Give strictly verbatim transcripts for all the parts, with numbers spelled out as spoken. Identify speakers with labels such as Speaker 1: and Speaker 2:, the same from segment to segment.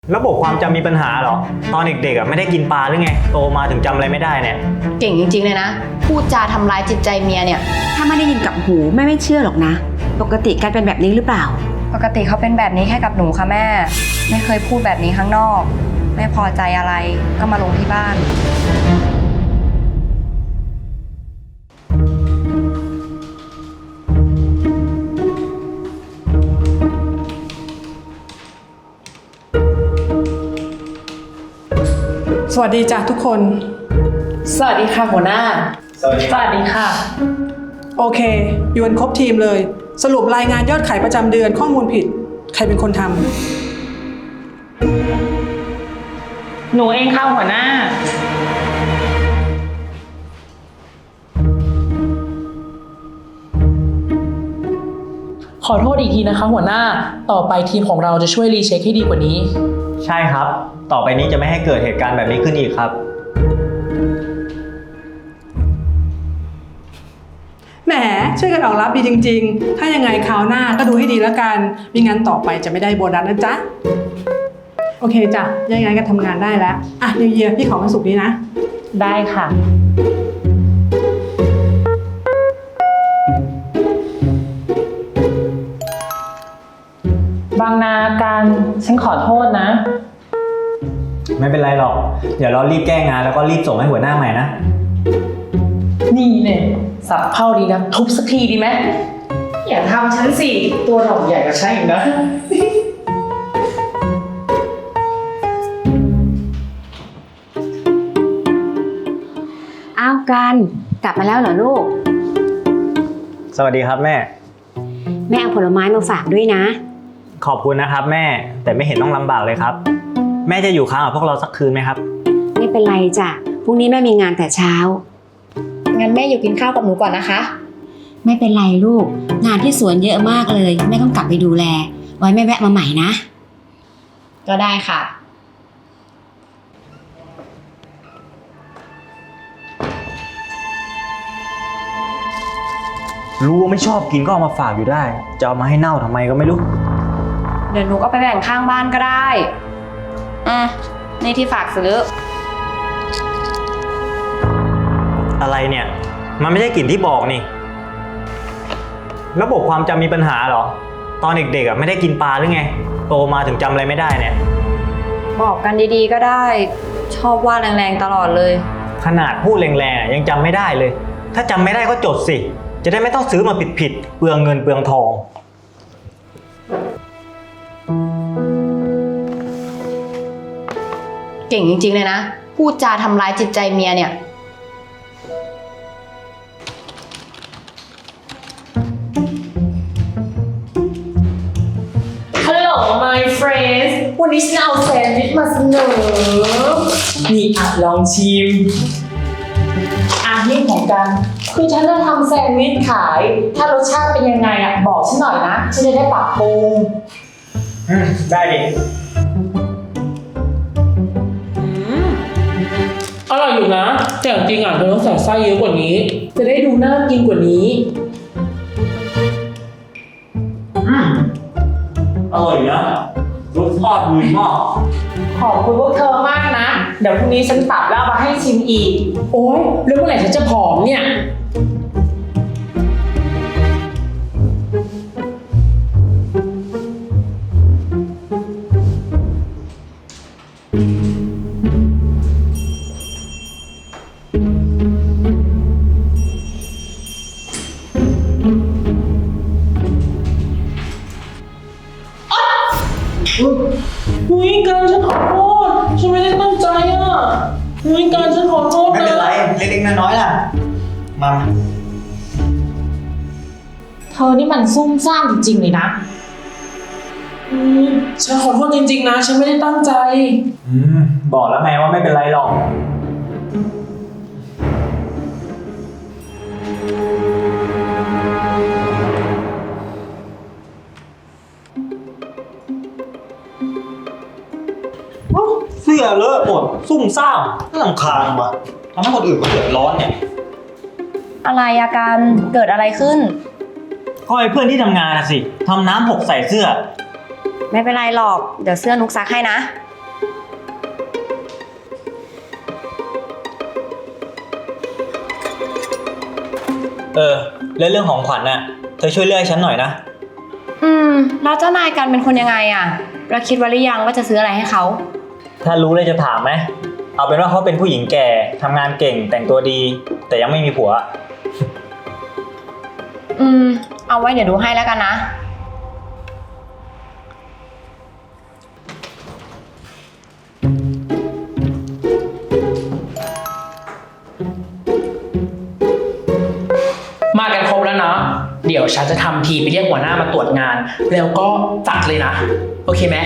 Speaker 1: ระบบความจำมีปัญหาเหรอตอนเด็กๆอ่ะไม่ได้กินปลาหรือไงโตมาถึงจำอะไรไม่ได้เนี่ย
Speaker 2: เก่งจริงๆเลยนะพูดจาทำร้ายจิตใจเมียเนี่ย
Speaker 3: ถ้าไม่ได้ยินกับหูแม่ไม่เชื่อหรอกนะปกติการเป็นแบบนี้หรือเปล่า
Speaker 2: ปกติเขาเป็นแบบนี้แค่กับหนูค่ะแม่ไม่เคยพูดแบบนี้ข้างนอกไม่พอใจอะไรก็มาลงที่บ้าน
Speaker 4: สวัสดีจ้ะทุกคน
Speaker 5: สวัสดีค่ะหัวหน้า
Speaker 1: สวัสดี
Speaker 5: สวัสดีค่ะ
Speaker 4: โอเคอยู่กันครบทีมเลยสรุปรายงานยอดขายประจำเดือนข้อมูลผิดใครเป็นคนท
Speaker 5: ำหนูเองค่ะหัวหน้าขอโทษอีกทีนะคะหัวหน้าต่อไปทีมของเราจะช่วยรีเช็คให้ดีกว่านี้
Speaker 1: ใช่ครับต่อไปนี้จะไม่ให้เกิดเหตุการณ์แบบนี้ขึ้นอีกครับ
Speaker 4: แหมช่วยกันออกรับดีจริงๆถ้ายังไงคราวหน้าก็ดูให้ดีแล้วกันไม่งั้นต่อไปจะไม่ได้โบนัสนะจ๊ะโอเคจ้ะยังไงก็ทำงานได้แล้วอ่ะนิวเยียร์พี่ขอวันศุกร์นี้นะ
Speaker 5: ได้ค่ะบางนาการฉันขอโทษนะ
Speaker 1: ไม่เป็นไรหรอกเดี๋ยวเรารีบแก้งานแล้วก็รีบส่งให้หัวหน้าใหม่นะ
Speaker 5: นี่เนี่ยสับเข้าดีนะทุบสักทีดีไหมอย่าทำฉันสิตัวเราใหญ่กว่าฉันอีกนะ
Speaker 3: อ้าวกันกลับมาแล้วเหรอลูก
Speaker 1: สวัสดีครับแม่
Speaker 3: แม่เอาผลไม้มาฝากด้วยนะ
Speaker 1: ขอบคุณนะครับแม่แต่ไม่เห็นต้องลำบากเลยครับแม่จะอยู่ค้างกับพวกเราสักคืนไหมครับ
Speaker 3: ไม่เป็นไรจ้ะพรุ่งนี้แม่มีงานแต่เช้า
Speaker 2: งั้นแม่อยู่กินข้าวกับหนูก่อนนะคะ
Speaker 3: ไม่เป็นไรลูกงานที่สวนเยอะมากเลยแม่ต้องกลับไปดูแลไว้แม่แวะมาใหม่นะ
Speaker 2: ก็ได้ค่ะ
Speaker 1: รู้ว่าไม่ชอบกินก็เอามาฝากอยู่ได้จะเอามาให้เน่าทำไมก็ไม่รู้
Speaker 2: เดี๋ยวหนูก็ไปแบ่งข้างบ้านก็ได้อ่ะนี่ที่ฝากซื้อ
Speaker 1: อะไรเนี่ยมันไม่ใช่กลิ่นที่บอกนี่ระบบความจำมีปัญหาเหรอตอนเด็กๆอ่ะไม่ได้กินปลาหรือไงโตมาถึงจำอะไรไม่ได้เนี่ย
Speaker 2: บอกกันดีๆก็ได้ชอบว่าแรงๆตลอดเลย
Speaker 1: ขนาดพูดแรงๆยังจำไม่ได้เลยถ้าจำไม่ได้ก็จดสิจะได้ไม่ต้องซื้อมาผิดๆเปลืองเงินเปลืองทอง
Speaker 2: เก่งจริงๆเลยนะพูดจาทำร้ายจิตใจเมียเนี่ย
Speaker 5: ฮัลโหล my friends วันนี้ฉันเอาแซนด์วิชมาเสนอนี่อ่ะลองชิมอ่ะนี่ของกันคือฉันจะทำแซนด์วิชขายถ้ารสชาติเป็นยังไงอ่ะบอกฉันหน่อยนะฉันจะได้ปรับปรุง
Speaker 1: ได้ดิ
Speaker 5: อร่อยอยู่นะแต่จริงอ่ะเธอต้องใส่ไส้เยอะกว่านี้จะได้ดูน่ากินกว่านี้
Speaker 1: อืมอร่อยนะรสชาติดีมาก
Speaker 5: ขอบคุณพวกเธอมากนะเดี๋ยวพรุ่งนี้ฉันปรับแล้วมาให้ชิมอีกโอ๊ยแล้วเมื่อไหร่ฉันจะผอมเนี่ยหุยการฉันขอโทษฉันไม่ได้ตั้งใจอ่ะหุยการฉันขอโทษนะ
Speaker 1: ไม่เป็นไรเล็กๆน้อยๆล่ะมา
Speaker 5: เธอนี่มันซุ่มซ่ามจริงๆเลยนะอืมฉันขอโทษจริงๆนะฉันไม่ได้ตั้งใจ
Speaker 1: อืมบอกแล้วไงว่าไม่เป็นไรหรอกเสื้อเลอะหมดซุ่มซ่ามน่ารำคาญว่ะทำให้คนอื่นก็เดือดร้อนเนี่ย
Speaker 2: อะไรอาการเกิดอะไรขึ้น
Speaker 1: ก็ไอ้เพื่อนที่ทำงานน่ะสิทำน้ำหกใส่เสื้อ
Speaker 2: ไม่เป็นไรหรอกเดี๋ยวเสื้อนุกซักให้นะ
Speaker 1: เออ แล้วเรื่องของขวัญน่ะ เธอช่วยเลือกให้ฉันหน่อยนะ
Speaker 2: อืม แล้วเจ้านายกันเป็นคนยังไงอะเราคิดไว้หรือยังว่าจะซื้ออะไรให้เขา
Speaker 1: ถ้ารู้เลยจะถามไหม เอาเป็นว่าเขาเป็นผู้หญิงแก่ทำงานเก่งแต่งตัวดี แต่ยังไม่มีผัว
Speaker 2: อืม เอาไว้เดี๋ยวดูให้แล้วกันนะ
Speaker 5: มากันครบแล้วเนาะเดี๋ยวฉันจะทำทีไปเรียกหัวหน้ามาตรวจงาน แล้วก็จัดเลยนะ โอเคไหม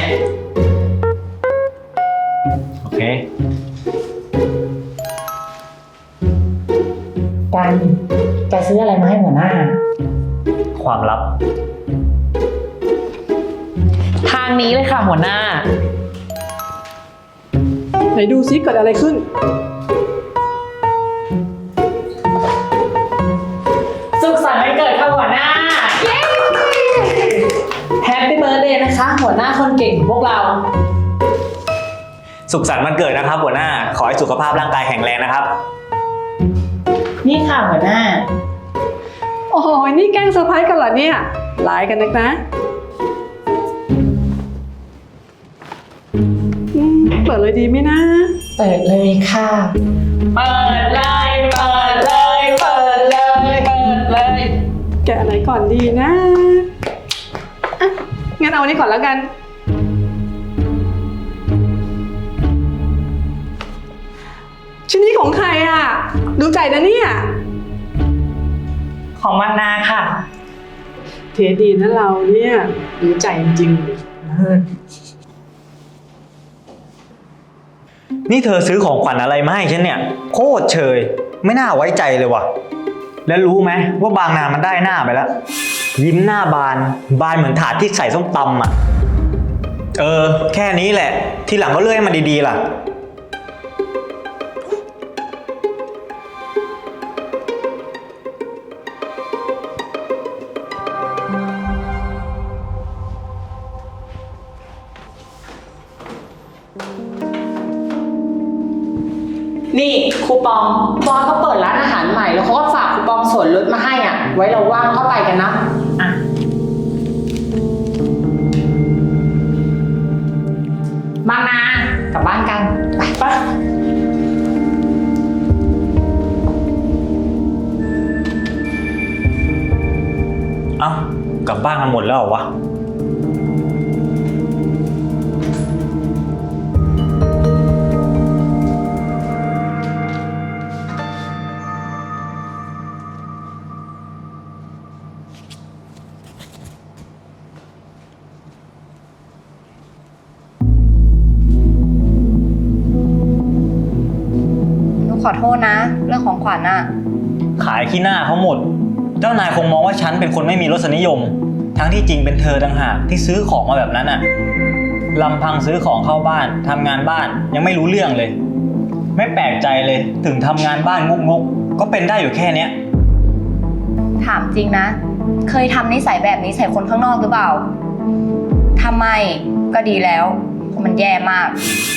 Speaker 1: โอเค
Speaker 5: กันแกซื้ออะไรมาให้หัวหน้า
Speaker 1: ความลับ
Speaker 5: ทางนี้เลยค่ะหัวหน้า
Speaker 4: ไหนดูซิเกิดอะไรขึ้น
Speaker 5: สุขสันต์วันเกิดค่ะหัวหน้า เย้แฮปปี้เบิร์ธเดย์นะคะ หัวหน้าคนเก่งของพวกเรา
Speaker 1: สุขสันต์วันเกิดนะครับหัวหน้า ขอให้สุขภาพร่างกายแข็งแรงนะครับ
Speaker 5: นี่ค่ะหัวหน้า
Speaker 4: โอ้โหนี่แกล้งเซอร์ไพรส์กันเหรอเนี่ยหลายกันนักนะอืมเปิดเลยดีไหมนะ
Speaker 5: เปิดเลยค่ะ เปิดเลย เปิดเลย เปิดเลย เปิดเลย
Speaker 4: แกะอะไรก่อนดีนะอ่ะงั้นเอาอันนี้ก่อนแล้วกัน ชิ้นนี้ของใครอ่ะ ดูใจนะเนี่ย
Speaker 5: ของมานาค่ะ
Speaker 4: เทดีนะเราเนี่ยดูใจจริงๆ
Speaker 1: นี่เธอซื้อของขวัญอะไรมาให้ฉันเนี่ย โคตรเชย ไม่น่าไว้ใจเลยว่ะ แล้วรู้ไหมว่าบางนามันได้หน้าไปแล้ว ยิ้มหน้าบาน บานเหมือนถาดที่ใส่ส้มตำอ่ะ เออ แค่นี้แหละ ทีหลังก็เลื่อยมันดีๆล่ะ
Speaker 5: นี่คูปองบอสเขาเปิดร้านอาหารใหม่แล้วเขาก็ฝากคูปองส่วนลดมาให้อ่ะ ไว้เราว่างเข้าไปกันนะอ่ะบางนากลับบ้านกัน ไปไป
Speaker 1: เอ้ากลับบ้านกันหมดแล้วเหรอวะ
Speaker 2: หนูขอโทษนะ เรื่องของขวัญอะ
Speaker 1: ขายขี้หน้าเขาหมด เจ้านายคงมองว่าฉันเป็นคนไม่มีรสนิยม ทั้งที่จริงเป็นเธอต่างหากที่ซื้อของมาแบบนั้นอะลำพังซื้อของเข้าบ้านทำงานบ้านยังไม่รู้เรื่องเลย ไม่แปลกใจเลยถึงทำงานบ้านงกๆก็เป็นได้อยู่แค่เนี้ย
Speaker 2: ถามจริงนะ เคยทำนิสัยแบบนี้ใส่คนข้างนอกหรือเปล่าทำไมก็ดีแล้วเพราะมันแย่มาก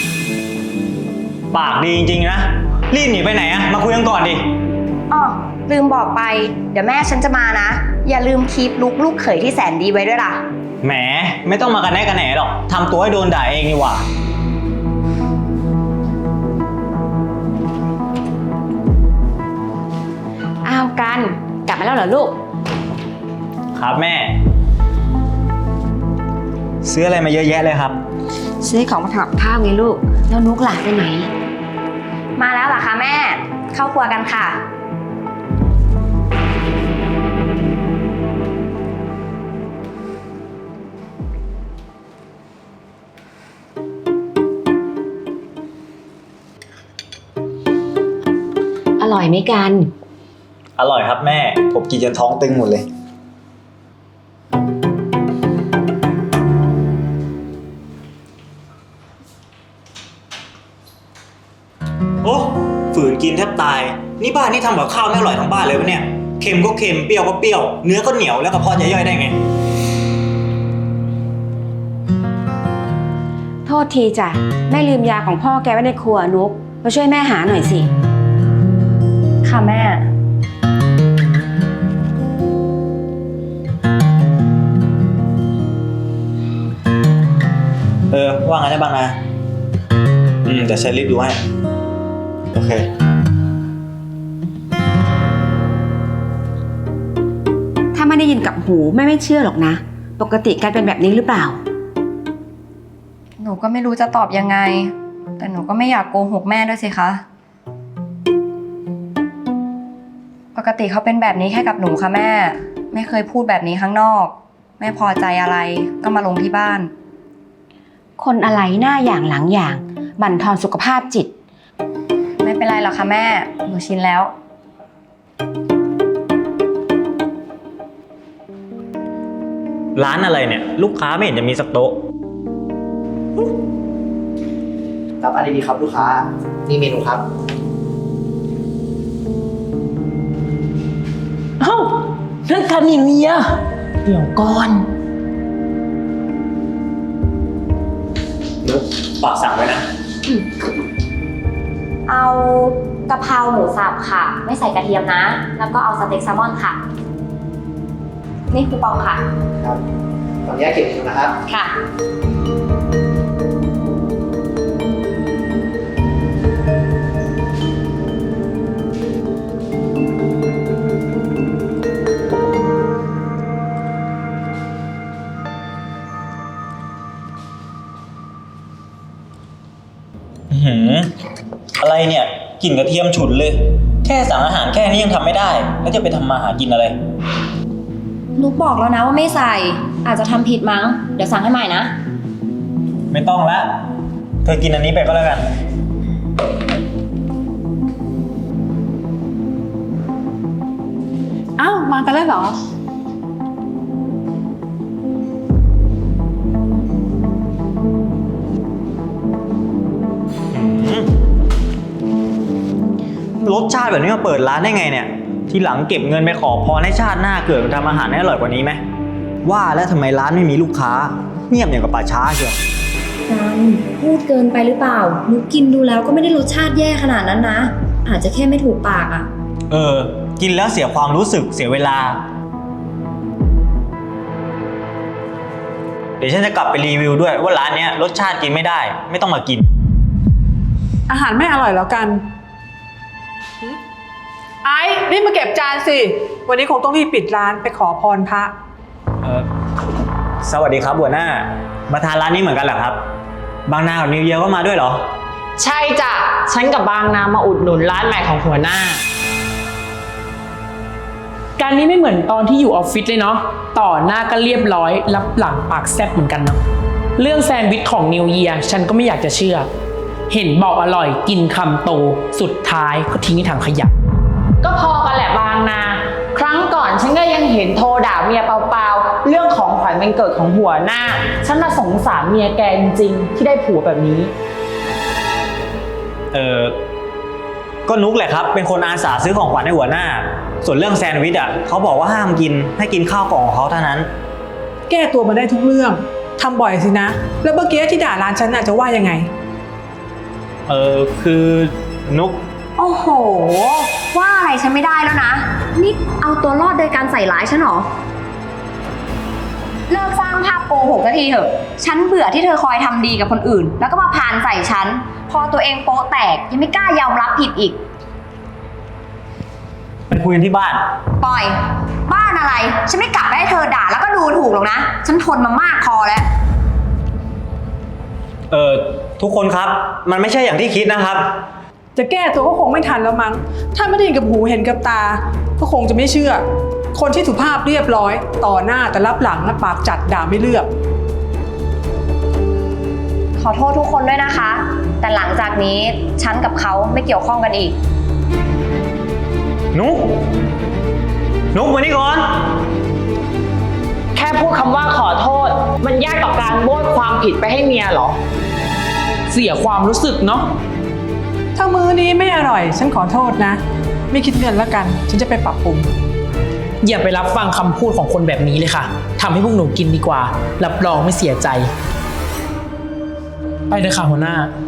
Speaker 1: ปากดีจริงๆนะ รีบหนีไปไหนอะมาคุยกันก่อนดิ
Speaker 2: อ๋อลืมบอกไป เดี๋ยวแม่ฉันจะมานะ อย่าลืมคีปลุกลูกเขยที่แสนดีไว้ด้วยล่ะ
Speaker 1: แหมไม่ต้องมากันแน่กันแหนหรอกทำตัวให้โดนด่าเองดีกว่า
Speaker 3: อ้าวกันกลับมาแล้วเหรอลูก
Speaker 1: ครับแม่ ซื้ออะไรมาเยอะแยะเลยครับ
Speaker 3: ซื้อของมาทำกับข้าวไงลูก แล้วนุกหลานไปไหน
Speaker 2: มาแล้วเหรอคะแม่ เข้าครัวกันค่ะ
Speaker 3: อร่อยไหมกัน
Speaker 1: อร่อยครับแม่ ผมกินจนท้องตึงหมดเลย โอ้ฝืนกินแทบตาย นี่บ้านนี่ทำกับข้าวไม่อร่อยทั้งบ้านเลยวะเนี่ย เค็มก็เค็ม เปรี้ยวก็เปรี้ยว เนื้อก็เหนียวแล้วกระเพาะจะย่อยได้ไง
Speaker 3: โทษทีจ้ะแม่ลืมยาของพ่อแกไว้ในครัวนุกมาช่วยแม่หาหน่อยสิ
Speaker 2: ค่ะแม่
Speaker 1: ว่างั้นได้บ้างนะอืมเดี๋ยวฉันรีบดูให้โอเค
Speaker 3: ถ้าไม่ได้ยินกับหูแม่ไม่เชื่อหรอกนะ ปกติการเป็นแบบนี้หรือเปล่า
Speaker 2: หนูก็ไม่รู้จะตอบยังไง แต่หนูก็ไม่อยากโกหกแม่ด้วยสิคะ ปกติเขาเป็นแบบนี้แค่กับหนูค่ะแม่ ไม่เคยพูดแบบนี้ข้างนอก ไม่พอใจอะไรก็มาลงที่บ้าน
Speaker 3: คนอะไรหน้าอย่างหลังอย่างบั่นทอนสุขภาพจิต
Speaker 2: ไม่เป็นไรหรอกค่ะแม่ หนูชินแล้ว
Speaker 1: ร้านอะไรเนี่ย ลูกค้าไม่เห็นจะมีสักโต๊ะ
Speaker 6: รับอะไรดีครับลูกค้า นี่เมนูครับ
Speaker 5: เอ้านั่นคานิเมียเดี๋ยวก่อน
Speaker 1: นุ๊กฝากสั่งไว้นะ
Speaker 2: เอากะเพราหมูสับค่ะ ไม่ใส่กระเทียมนะ แล้วก็เอาสเต็กแซลมอนค่ะ นี่คูปองค่ะ
Speaker 6: ครับขออนุญาตเก็บเมนูนะครับ
Speaker 2: ค่ะ
Speaker 1: อื้อหืออะไรเนี่ยกลิ่นกระเทียมฉุนเลย แค่สั่งอาหารแค่นี้ยังทำไม่ได้ แล้วจะไปทำมาหากินอะไร
Speaker 2: นุกบอกแล้วนะว่าไม่ใส่ อาจจะทำผิดมั้ง เดี๋ยวสั่งให้ใหม่นะ
Speaker 1: ไม่ต้องละเธอกินอันนี้ไปก็แล้วกัน
Speaker 4: อ้าวมากันแล้วเหรอ
Speaker 1: รสชาติแบบนี้มาเปิดร้านได้ไงเนี่ย ทีหลังเก็บเงินไปขอพรให้ชาติหน้าเกิดมาทำอาหารให้อร่อยกว่านี้ไหมว่าแล้วทำไมร้านไม่มีลูกค้า เงียบอย่างกับป่าช้าเชียว
Speaker 2: กันพูดเกินไปหรือเปล่า นุกกินดูแล้วก็ไม่ได้รสชาติแย่ขนาดนั้นนะ อาจจะแค่ไม่ถูกปากอ่ะ
Speaker 1: เออ กินแล้วเสียความรู้สึกเสียเวลา เดี๋ยวฉันจะกลับไปรีวิวด้วยว่าร้านเนี้ยรสชาติกินไม่ได้ ไม่ต้องมากิน
Speaker 4: อาหารไม่อร่อยแล้วกันหึไอ้นี่มาเก็บจานสิ วันนี้คงต้องรีบปิดร้านไปขอพรพระ
Speaker 1: เออสวัสดีครับหัวหน้า มาทานร้านนี้เหมือนกันเหรอครับ บางนากับนิวเยียร์ก็มาด้วยเหรอ
Speaker 5: ใช่จ้ะ ฉันกับบางนามาอุดหนุนร้านใหม่ของหัวหน้า การนี้ไม่เหมือนตอนที่อยู่ออฟฟิศเลยเนาะ ต่อหน้าก็เรียบร้อย รับหลังปากแซ่บเหมือนกันเนาะ เรื่องแซนด์วิชของนิวเยียร์ฉันก็ไม่อยากจะเชื่อ เห็นบอกอร่อยกินคำโต สุดท้ายก็ทิ้งในถังขยะ ก็พอกันแหละบางนา ครั้งก่อนฉันก็ยังเห็นโทรด่าเมียเปล่าๆ เรื่องของขวัญวันเกิดของหัวหน้า ฉันน่ะสงสารเมียแกจริงๆที่ได้ผัวแบบนี้
Speaker 1: เออก็นุกแหละครับ เป็นคนอาสาซื้อของขวัญให้หัวหน้า ส่วนเรื่องแซนด์วิชอ่ะเขาบอกว่าห้ามกินให้กินข้าวกล่องของเขาเท่านั้น
Speaker 4: แก้ตัวมาได้ทุกเรื่องทำบ่อยสินะ แล้วเมื่อกี้ที่ด่าร้านฉันน่ะจะว่ายังไง
Speaker 1: เออคือนุก
Speaker 2: โอ้โห ว่าอะไรฉันไม่ได้แล้วนะ นี่เอาตัวรอดโดยการใส่ร้ายฉันเหรอ เลิกสร้างภาพโกหกสักทีเถอะ ฉันเบื่อที่เธอคอยทำดีกับคนอื่น แล้วก็มาพานใส่ฉัน พอตัวเองโป๊ะแตกยังไม่กล้ายอมรับผิดอีก
Speaker 1: ไปคุยกันที่บ้าน
Speaker 2: ปล่อย บ้านอะไร ฉันไม่กลับไปให้เธอด่าแล้วก็ดูถูกหรอกนะ ฉันทนมามากพอแล้ว
Speaker 1: เออทุกคนครับมันไม่ใช่อย่างที่คิดนะครับ
Speaker 4: จะแก้ตัวก็คงไม่ทันแล้วมั้ง ถ้าไม่ได้เห็นกับหูเห็นกับตา ก็คงจะไม่เชื่อ คนที่สุภาพเรียบร้อย ต่อหน้าแต่รับหลังนะปากจัดด่าไม่เลือก
Speaker 2: ขอโทษทุกคนด้วยนะคะ แต่หลังจากนี้ฉันกับเขาไม่เกี่ยวข้องกันอีก
Speaker 1: นุกนุกมานี่ก่อน
Speaker 5: แค่พูดคำว่าขอโทษ มันยากต่อการโบยความผิดไปให้เมียเหรอ เสียความรู้สึกเนาะ
Speaker 4: ถ้ามื้อนี้ไม่อร่อย ฉันขอโทษนะ ไม่คิดเงินแล้วกัน ฉันจะไปปรับปรุง
Speaker 5: อย่าไปรับฟังคำพูดของคนแบบนี้เลยค่ะทำให้พวกหนูกินดีกว่า รับรองไม่เสียใจ ไปเลยค่ะหัวหน้า